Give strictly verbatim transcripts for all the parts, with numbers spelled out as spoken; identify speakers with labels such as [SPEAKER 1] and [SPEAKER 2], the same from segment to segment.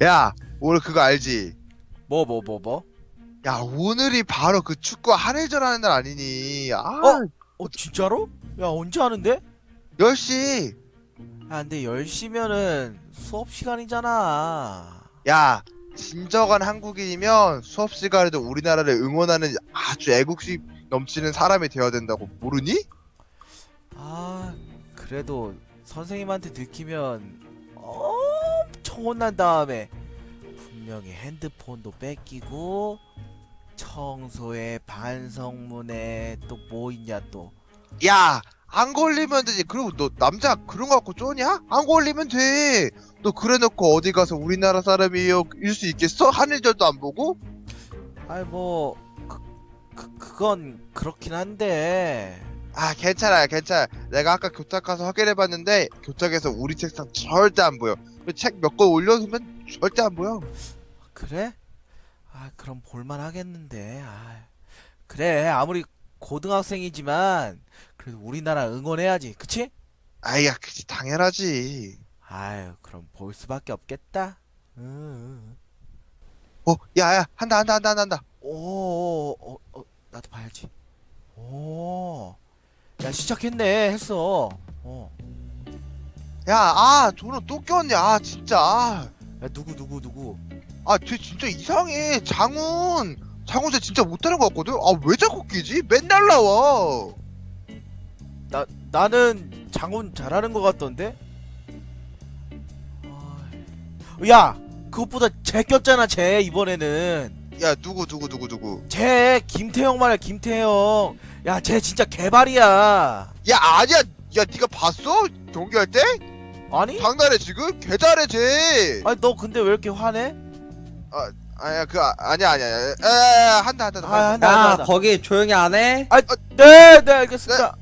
[SPEAKER 1] 야, 오늘 그거 알지?
[SPEAKER 2] 뭐 뭐 뭐 뭐?
[SPEAKER 1] 야, 오늘이 바로 그 축구 한일전 하는 날 아니니? 아,
[SPEAKER 2] 어? 어 진짜로? 야 언제 하는데?
[SPEAKER 1] 열 시.
[SPEAKER 2] 야 근데 열 시면은 수업 시간이잖아.
[SPEAKER 1] 야, 진정한 한국인이면 수업 시간에도 우리나라를 응원하는 아주 애국심 넘치는 사람이 되어야 된다고 모르니?
[SPEAKER 2] 아 그래도 선생님한테 들키면 엄청 혼난 다음에 분명히 핸드폰도 뺏기고 청소에 반성문에 또 뭐 있냐 또.
[SPEAKER 1] 야, 안 걸리면 되지. 그리고 너 남자 그런 거 갖고 쪼냐? 안 걸리면 돼. 너 그래놓고 어디 가서 우리나라 사람이요 일 수 있겠어? 한일전도 안 보고?
[SPEAKER 2] 아이 뭐 그, 그, 그건 그렇긴 한데.
[SPEAKER 1] 아, 괜찮아요, 괜찮아. 내가 아까 교탁 가서 확인해봤는데 교탁에서 우리 책상 절대 안 보여. 책 몇 권 올려두면 절대 안 보여.
[SPEAKER 2] 그래? 아 그럼 볼만 하겠는데. 아 그래 아무리 고등학생이지만 그래도 우리나라 응원해야지 그치?
[SPEAKER 1] 아이야, 그치, 당연하지.
[SPEAKER 2] 아유 그럼 볼 수밖에 없겠다. 응.
[SPEAKER 1] 어, 야야, 한다, 한다, 한다, 한다, 한다.
[SPEAKER 2] 오, 어, 어, 나도 봐야지. 오, 야 시작했네 했어. 어,
[SPEAKER 1] 야, 아, 저는 또 꼈네. 아, 진짜. 아,
[SPEAKER 2] 야 누구 누구 누구?
[SPEAKER 1] 아, 쟤 진짜 이상해. 장훈. 장훈 쟤 진짜 못하는 것 같거든? 아, 왜 자꾸 끼지? 맨날 나와.
[SPEAKER 2] 나 나는 장훈 잘하는 것 같던데. 아, 야 그것보다 쟤 꼈잖아 쟤 이번에는.
[SPEAKER 1] 야, 누구, 누구, 누구, 누구.
[SPEAKER 2] 쟤 김태형 말이야 김태형. 야 쟤 진짜 개발이야.
[SPEAKER 1] 야, 아니야. 야, 네가 봤어? 경기할 때?
[SPEAKER 2] 아니?
[SPEAKER 1] 장난해, 지금? 개 잘해, 쟤.
[SPEAKER 2] 아니 너 근데 왜 이렇게 화내?
[SPEAKER 1] 아, 아니야, 그, 아, 아니야, 아니야. 에, 한다, 한다, 한다.
[SPEAKER 2] 아, 한다,
[SPEAKER 3] 야,
[SPEAKER 2] 한다, 한다.
[SPEAKER 3] 거기 조용히 안 해?
[SPEAKER 2] 아, 네, 네, 알겠습니다.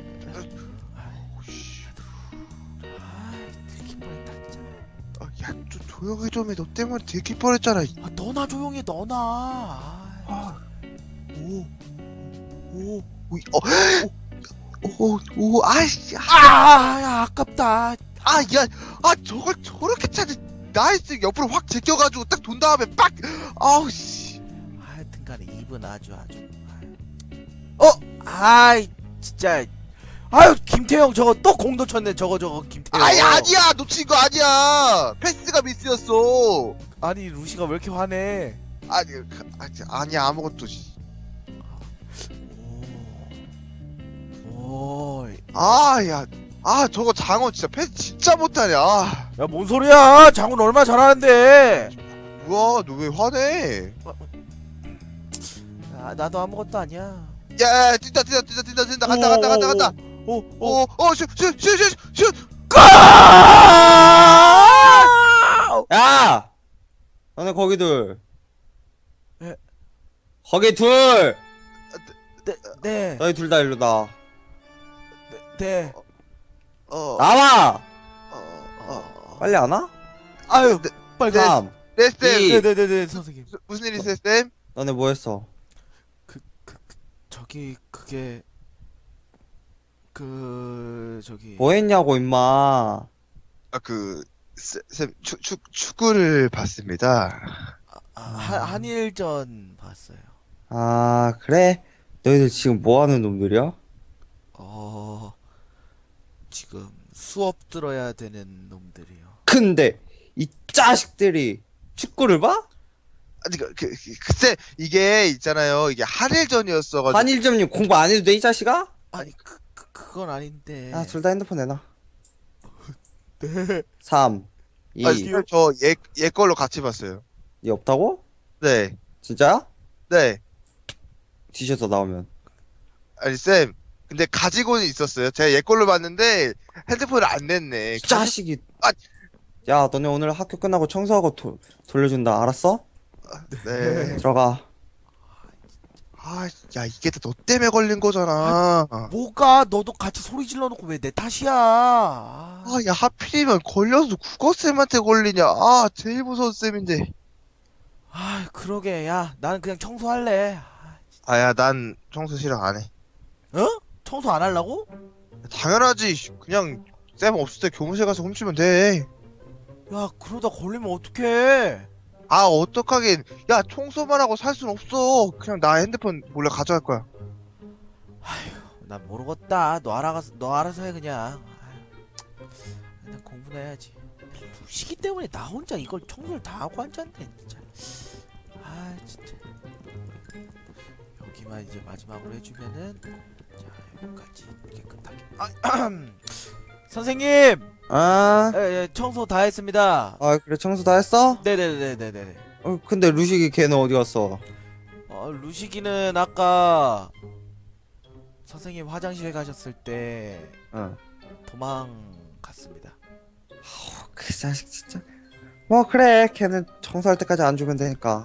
[SPEAKER 2] 아, 들킬 뻔했다 진짜.
[SPEAKER 1] 아, 야, 좀 조용히 좀 해. 너 때문에 들킬 뻔했잖아.
[SPEAKER 2] 아, 너나 조용히 너나. 아,
[SPEAKER 1] 아,
[SPEAKER 2] 오, 오,
[SPEAKER 1] 오, 어, 오, 오, 아이씨.
[SPEAKER 2] 아, 야, 아깝다.
[SPEAKER 1] 아, 야, 아, 저걸 저렇게 차지. 나이스 옆으로 확 제껴가지고 딱 돈 다음에 빡. 아우 씨.
[SPEAKER 2] 하여튼간에 입은 아주 아주. 어, 아이, 진짜. 아유, 김태형 저거 또 공 놓쳤네. 저거 저거 김태형.
[SPEAKER 1] 아니 아니야, 놓친 거 아니야. 패스가 미스였어.
[SPEAKER 2] 아니 루시가 왜 이렇게 화내?
[SPEAKER 1] 아니, 그, 아니 아니야 아무것도. 씨.
[SPEAKER 2] 오, 오,
[SPEAKER 1] 아, 야, 아 저거 장어 진짜 패스 진짜 못하냐. 아,
[SPEAKER 2] 야, 뭔 소리야? 장훈 얼마 잘하는데.
[SPEAKER 1] 뭐야, 너 왜 화내?
[SPEAKER 2] 아, 나도 아무것도 아니야.
[SPEAKER 1] 야, 야, 뛴다, 뛴다, 뛴다, 뛴다, 뛴다, 간다, 간다, 간다, 간다.
[SPEAKER 2] 오, 오, 오.
[SPEAKER 1] 오, 어, 슛, 슛, 슛, 슛, 슛.
[SPEAKER 2] 골!
[SPEAKER 3] 야! 너네 거기 둘.
[SPEAKER 2] 예.
[SPEAKER 3] 거기 둘!
[SPEAKER 2] 네, 네,
[SPEAKER 3] 너희 둘 다 일로 나와.
[SPEAKER 2] 네.
[SPEAKER 1] 어,
[SPEAKER 3] 나와!
[SPEAKER 1] 어, 어.
[SPEAKER 3] 빨리 안 와?
[SPEAKER 2] 아유,
[SPEAKER 1] 네,
[SPEAKER 2] 빨리
[SPEAKER 1] 네.
[SPEAKER 2] 가.
[SPEAKER 3] 삼.
[SPEAKER 1] 네, 쌤.
[SPEAKER 3] 이.
[SPEAKER 2] 네, 네, 네, 네, 선생님.
[SPEAKER 1] 무슨 일 있어요, 쌤?
[SPEAKER 3] 너네 뭐 했어?
[SPEAKER 2] 그, 그, 그 저기 그게 그 저기
[SPEAKER 3] 뭐 했냐고, 임마.
[SPEAKER 1] 아, 그, 쌤, 쌤, 축, 축, 축구를 봤습니다.
[SPEAKER 2] 아, 한 한일전 봤어요.
[SPEAKER 3] 아, 그래? 너희들 지금 뭐 하는 놈들이야?
[SPEAKER 2] 어, 지금 수업 들어야 되는 놈들이요.
[SPEAKER 3] 근데, 이 자식들이 축구를 봐?
[SPEAKER 1] 아니, 그, 그, 그, 글쎄, 이게 있잖아요. 이게 한일전이었어가지고.
[SPEAKER 3] 한일점님 공부 안 해도 돼, 이 자식아?
[SPEAKER 2] 아니 그, 그 그건 아닌데.
[SPEAKER 3] 야, 둘 다 핸드폰 내놔.
[SPEAKER 2] 네.
[SPEAKER 3] 삼. 이.
[SPEAKER 1] 아니, 쌤, 저 얘, 얘 걸로 같이 봤어요.
[SPEAKER 3] 니 없다고?
[SPEAKER 1] 네,
[SPEAKER 3] 진짜야?
[SPEAKER 1] 네.
[SPEAKER 3] 뒤져서 나오면.
[SPEAKER 1] 아니, 쌤. 근데 가지고는 있었어요. 제가 얘 걸로 봤는데 핸드폰을 안 냈네.
[SPEAKER 3] 이 자식이.
[SPEAKER 1] 아.
[SPEAKER 3] 야, 너네 오늘 학교 끝나고 청소하고 도, 돌려준다. 알았어?
[SPEAKER 1] 네.
[SPEAKER 3] 들어가.
[SPEAKER 1] 아, 야, 이게 다 너 때문에 걸린 거잖아.
[SPEAKER 2] 뭐가 너도 같이 소리 질러 놓고 왜 내 탓이야? 아,
[SPEAKER 1] 아, 야, 하필이면 걸려서 국어쌤한테 걸리냐. 아, 제일 무서운 쌤인데.
[SPEAKER 2] 아, 그러게. 야, 나는 그냥 청소할래.
[SPEAKER 1] 아, 야, 난 청소 싫어, 안 해.
[SPEAKER 2] 어? 청소 안 하려고?
[SPEAKER 1] 당연하지. 그냥 쌤 없을 때 교무실 가서 훔치면 돼.
[SPEAKER 2] 야 그러다 걸리면 어떡해.
[SPEAKER 1] 아 어떡하긴. 야 청소만 하고 살 순 없어. 그냥 나 핸드폰 몰래 가져갈 거야.
[SPEAKER 2] 난 모르겠다. 너 알아서 너 알아서 해 그냥. 아휴, 그냥 공부나 해야지. 시기 때문에 나 혼자 이걸 청소를 다 하고 앉았네 진짜. 아 진짜. 여기만 이제 마지막으로 해주면은 자 여기까지 깨끗하게. 아, 선생님,
[SPEAKER 3] 아,
[SPEAKER 2] 예, 예, 청소 다 했습니다.
[SPEAKER 3] 아 그래 청소 다 했어?
[SPEAKER 2] 네네네네네.
[SPEAKER 3] 어, 근데 루식이 걔는 어디 갔어?
[SPEAKER 2] 어, 루시기는 아까 선생님 화장실에 가셨을 때
[SPEAKER 3] 응.
[SPEAKER 2] 도망갔습니다.
[SPEAKER 3] 어, 그 자식 진짜. 뭐 그래 걔는 청소할 때까지 안 주면 되니까.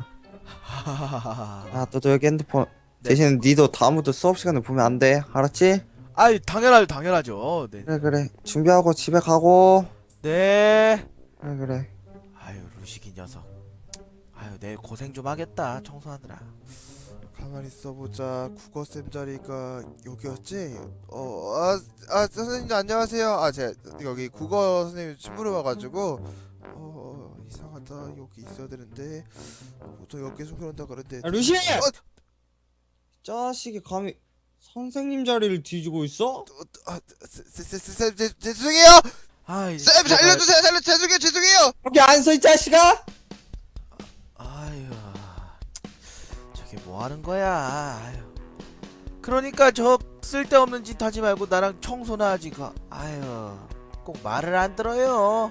[SPEAKER 3] 아 너도 여기 핸드폰
[SPEAKER 2] 네.
[SPEAKER 3] 대신 니도 다음부터 수업 시간에 보면 안 돼. 알았지?
[SPEAKER 2] 아이 당연하죠 당연하죠. 네.
[SPEAKER 3] 그래 그래 준비하고 집에 가고.
[SPEAKER 2] 네.
[SPEAKER 3] 그래 그래.
[SPEAKER 2] 아유 루시기 녀석. 아유 내일 고생 좀 하겠다 청소하느라.
[SPEAKER 4] 가만히 있어보자. 국어쌤 자리가 여기였지? 어, 아, 아 선생님 안녕하세요. 아, 제가 여기 국어 선생님 친구로 와가지고 어, 이상하다. 여기 있어야 되는데 보통 여기서 그런다 그런데.
[SPEAKER 3] 야, 루시!
[SPEAKER 4] 어,
[SPEAKER 3] 자식이 감히 선생님 자리를 뒤지고 있어?
[SPEAKER 4] 아, 쌤, 죄송해요.
[SPEAKER 2] 아 이제
[SPEAKER 1] 쌤
[SPEAKER 2] 집에 가-
[SPEAKER 1] 살려주세요. 살려 죄송해요 죄송해요.
[SPEAKER 3] 거기 안 서 이 자식아?
[SPEAKER 2] 아유 저게 뭐 하는 거야. 아유. 그러니까 저 쓸데없는 짓 하지 말고 나랑 청소나 하지. 가. 아유 꼭 말을 안 들어요.